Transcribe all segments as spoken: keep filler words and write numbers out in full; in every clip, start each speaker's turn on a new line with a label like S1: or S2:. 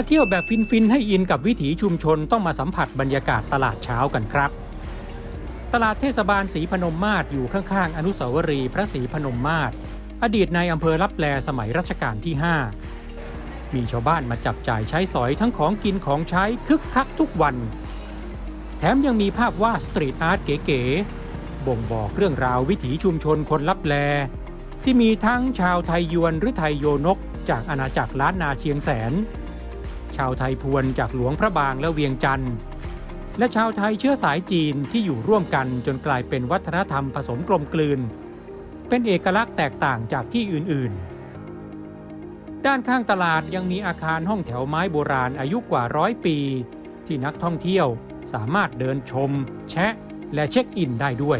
S1: มาเที่ยวแบบฟินๆให้อินกับวิถีชุมชนต้องมาสัมผัสบรรยากาศตลาดเช้ากันครับตลาดเทศบาลศรีพนมมาศอยู่ข้างๆอนุสาวรีย์พระศรีพนมมาศอดีตในอำเภอลับแลสมัยรัชกาลที่ห้ามีชาวบ้านมาจับจ่ายใช้สอยทั้งของกินของใช้คึกคักทุกวันแถมยังมีภาพวาดสตรีทอาร์ตเก๋ๆบ่งบอกเรื่องราววิถีชุมชนคนลับแลที่มีทั้งชาวไทยยวนหรือไทยโยนกจากอาณาจักรล้านนาเชียงแสนชาวไทยพวนจากหลวงพระบางและเวียงจันทร์และชาวไทยเชื้อสายจีนที่อยู่ร่วมกันจนกลายเป็นวัฒนธรรมผสมกลมกลืนเป็นเอกลักษณ์แตกต่างจากที่อื่นๆด้านข้างตลาดยังมีอาคารห้องแถวไม้โบราณอายุกว่าร้อยปีที่นักท่องเที่ยวสามารถเดินชมแชะและเช็คอินได้ด้วย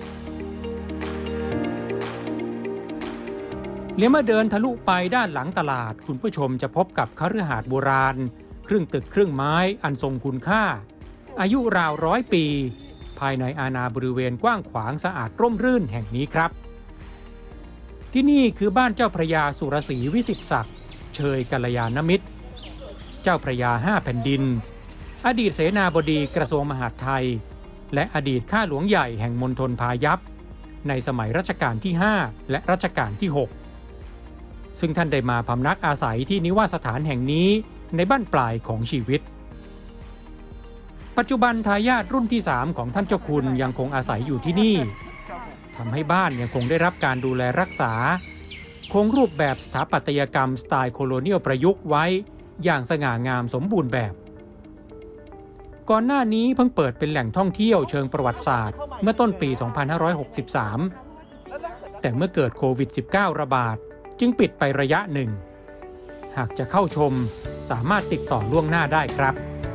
S1: เลี้ยวมาเดินทะลุไปด้านหลังตลาดคุณผู้ชมจะพบกับคฤหาสน์โบราณครึ่งตึกครึ่งไม้อันทรงคุณค่าอายุราวร้อยปีภายในอาณาบริเวณกว้างขวางสะอาดร่มรื่นแห่งนี้ครับที่นี่คือบ้านเจ้าพระยาสุรศรีวิสิทธิศักดิ์เชยกัลยาณมิตรเจ้าพระยาห้าแผ่นดินอดีตเสนาบดีกระทรวงมหาดไทยและอดีตข้าหลวงใหญ่แห่งมณฑลพายัพในสมัยรัชกาลที่ห้าและรัชกาลที่หกซึ่งท่านได้มาพำนักอาศัยที่นิวาสถานแห่งนี้ในบั้นปลายของชีวิตปัจจุบันทายาทรุ่นที่สามของท่านเจ้าคุณยังคงอาศัยอยู่ที่นี่ทำให้บ้านยังคงได้รับการดูแลรักษาคงรูปแบบสถาปัตยกรรมสไตล์โคโลเนียลประยุกต์ไว้อย่างสง่างามสมบูรณ์แบบก่อนหน้านี้เพิ่งเปิดเป็นแหล่งท่องเที่ยวเชิงประวัติศาสตร์เมื่อต้นปี สองพันห้าร้อยหกสิบสาม แต่เมื่อเกิดโควิด สิบเก้า ระบาดจึงปิดไประยะหนึ่งหากจะเข้าชมสามารถติดต่อล่วงหน้าได้ครับ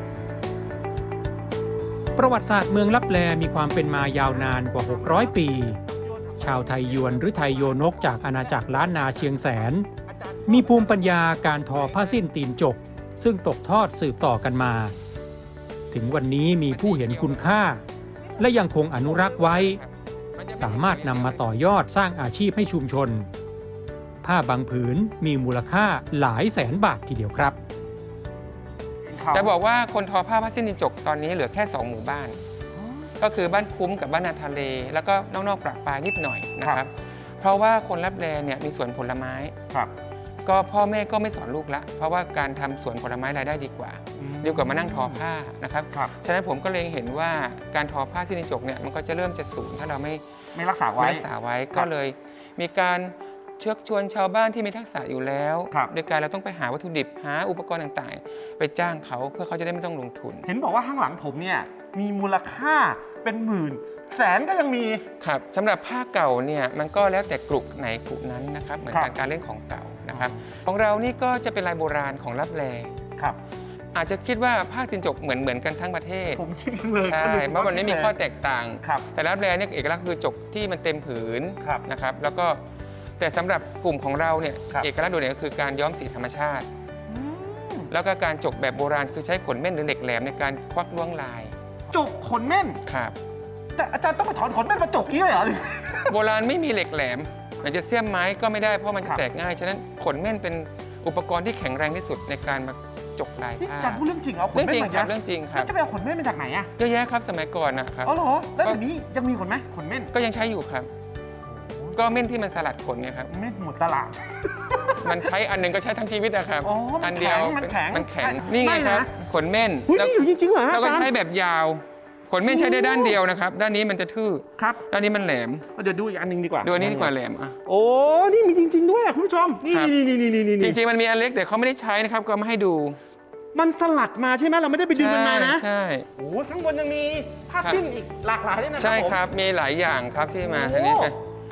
S1: ประวัติศาสตร์เมืองลับแลมีความเป็นมายาวนานกว่าหกร้อยปีชาวไทยยวนหรือไทยโยนกจากอาณาจักรล้านนาเชียงแสนมีภูมิปัญญาการทอผ้าสิ้นตีนจกซึ่งตกทอดสืบต่อกันมาถึงวันนี้มีผู้เห็นคุณค่าและยังคงอนุรักษ์ไว้สามารถนำมาต่อยอดสร้างอาชีพให้ชุมชนผ้าบางผืนมีมูลค่าหลายแสนบาททีเดียวครับ
S2: จะบอกว่าคนทอผ้าผ้าสิ้นตีนจกตอนนี้เหลือแค่สองหมู่บ้านก็คือบ้านคุ้มกับบ้านนาทะเลแล้วก็นอกๆประปรายนิดหน่อยนะครับเพราะว่าคนลับแลเนี่ยมีสวนผลไม้ก็พ่อแม่ก็ไม่สอนลูกละเพราะว่าการทำสวนผลไม้รายได้ดีกว่าดีกว่ามานั่งทอผ้านะครับฉะนั้นผมก็เลยเห็นว่าการทอผ้าสิ้นตีนจกเนี่ยมันก็จะเริ่มจะสูญถ้าเราไม่
S3: ไม่รักษาไว้
S2: รักษาไว้ก็เลยมีการเชิญชวนชาวบ้านที่มีทักษะอยู่แล้วโดยการเราต้องไปหาวัตถุดิบหาอุปกรณ์ต่างๆไปจ้างเขาเพื่อเขาจะได้ไม่ต้องลงทุน
S3: เห็นบอกว่าข้างหลังผมเนี่ยมีมูลค่าเป็นหมื่นแสนก็ยังมี
S2: ครับสำหรับผ้าเก่าเนี่ยมันก็แล้วแต่กลุ่มไหนกลุ่มนั้นนะครับเหมือนการการเล่นของเก่านะครับของเรานี่ก็จะเป็นลายโบราณของลับแล
S3: ครับ
S2: อาจจะคิดว่าผ้าตีนจกเหมือนเหมือนกันทั้งประเทศ
S3: ผมคิดเลย
S2: ใช่เพราะมันไม่มีข้อแตกต่างแต่ลับแลเนี่ยเอกลักษณ์คือจกที่มันเต็มผืนนะครับแล้วก็แต่สำหรับกลุ่มของเราเนี่ยเอกลักษณ์โดดเด่นก็คือการย้อมสีธรรมชาติแล้วก็การจกแบบโบราณคือใช้ขนเม่นหรือเหล็กแหลมในการควักล้วงลาย
S3: จกขนเม่น
S2: ครับ
S3: แต่อาจารย์ต้องไปถอนขนเม่นมาจกนี้เลยเหรอ
S2: โบราณไม่มีเหล็กแหลมมันจะเสี้ยมไม้ก็ไม่ได้เพราะมันจะแตกง่ายฉะนั้นขนเม่นเป็นอุปกรณ์ที่แข็งแรงที่สุดในการมาจกลายผ้า
S3: อาจารย์พูดเรื่องจริงเอาขน
S2: เม่นเรื่องจริงครับเรื่องจริงครับ
S3: จะไปเอาขนเม่นมาจากไหนอะ
S2: เยอะแยะครับสมัยก่อนนะครับ
S3: อ๋อเหรอแล้วเดี๋ยวนี้ยังมีขนไหมขนเม่น
S2: ก็ยังใช้อยู่ครับก็เม่นที่มันสลัดขนเนี่ยครับ
S3: เม่นหมดตลาด
S2: มันใช้อันหนึ่งก็ใช้ทั้งชีวิตนะครับ
S3: อั
S2: นเดียว
S3: มันแข็ง
S2: มันแข็งนี่ไงครับขนเม่น
S3: แล้วจริงๆเหรอ
S2: เราก็ใช้แบบยาวขนเม่นใช้ได้ด้านเดียวนะครับด้านนี้มันจะทื่อ
S3: ครับ
S2: ด้านนี้มันแหลม
S3: เดี๋ยวดูอีกอันนึงดีกว่า
S2: ดูอันนี้ดีกว่าแหลมอ่ะ
S3: โอ้นี่มีจริงๆด้วยคุณผู้ชมนี่นี่นี่นี่นี่
S2: จริงๆมันมีอันเล็กแต่เขาไม่ได้ใช้นะครับก็มาให้ดู
S3: มันสลัดมาใช่ไหมเราไม่ได้ไปดึงมันมานะ
S2: ใช่
S3: โอ้ข้างบนยังมีผ้าสิ้นอีกหลากหลายด้วยนะครับ
S2: ใช่ครับมีหลายอย่างครับที่มาทีนี้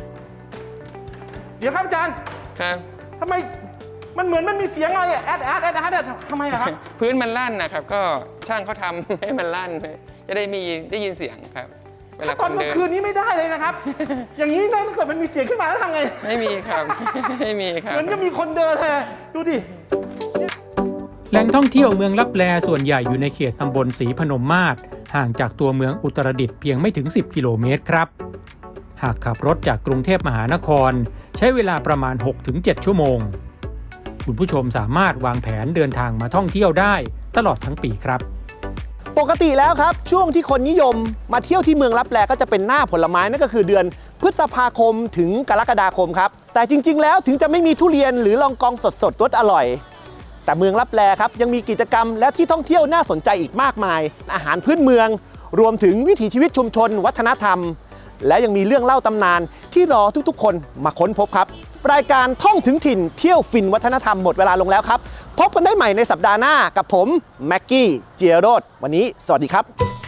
S3: เดี๋ยวครับอาจารย์
S2: ครับ
S3: ทำไมมันเหมือนมันมีเสียงอะไรแอดแอดแอดแอดทำไมอะครับ
S2: พื้นมันลั่นนะครับก็ช่างเขาทำให้มันลั่นจะได้มีได้ยินเสียงครับ
S3: ถ้าตอนกลางคืนนี้ไม่ได้เลยนะครับอย่างนี้ถ้าเกิดมันมีเสียงขึ้นมาแล้วทำไง
S2: ไม่มีครับไม่มีครับ
S3: เหมือนก็มีคนเดินเลยดูดิ
S1: แหล่งท่องเที่ยวเมืองลับแลส่วนใหญ่อยู่ในเขตตำบลศรีพนมมาศห่างจากตัวเมืองอุตรดิตถ์เพียงไม่ถึงสิบกิโลเมตรครับหากขับรถจากกรุงเทพมหานครใช้เวลาประมาณ หกถึงเจ็ด ชั่วโมงคุณผู้ชมสามารถวางแผนเดินทางมาท่องเที่ยวได้ตลอดทั้งปีครับ
S4: ปกติแล้วครับช่วงที่คนนิยมมาเที่ยวที่เมืองลับแลก็จะเป็นหน้าผลไม้นั่นก็คือเดือนพฤษภาคมถึงกรกฎาคมครับแต่จริงๆแล้วถึงจะไม่มีทุเรียนหรือลองกองสดๆรสอร่อยแต่เมืองลับแลครับยังมีกิจกรรมและที่ท่องเที่ยวน่าสนใจอีกมากมายอาหารพื้นเมืองรวมถึงวิถีชีวิตชุมชนวัฒนธรรมและยังมีเรื่องเล่าตำนานที่รอทุกๆคนมาค้นพบครับรายการท่องถึงถิ่นเที่ยวฟินวัฒนธรรมหมดเวลาลงแล้วครับพบกันได้ใหม่ในสัปดาห์หน้ากับผมแม็กกี้เจียโรดวันนี้สวัสดีครับ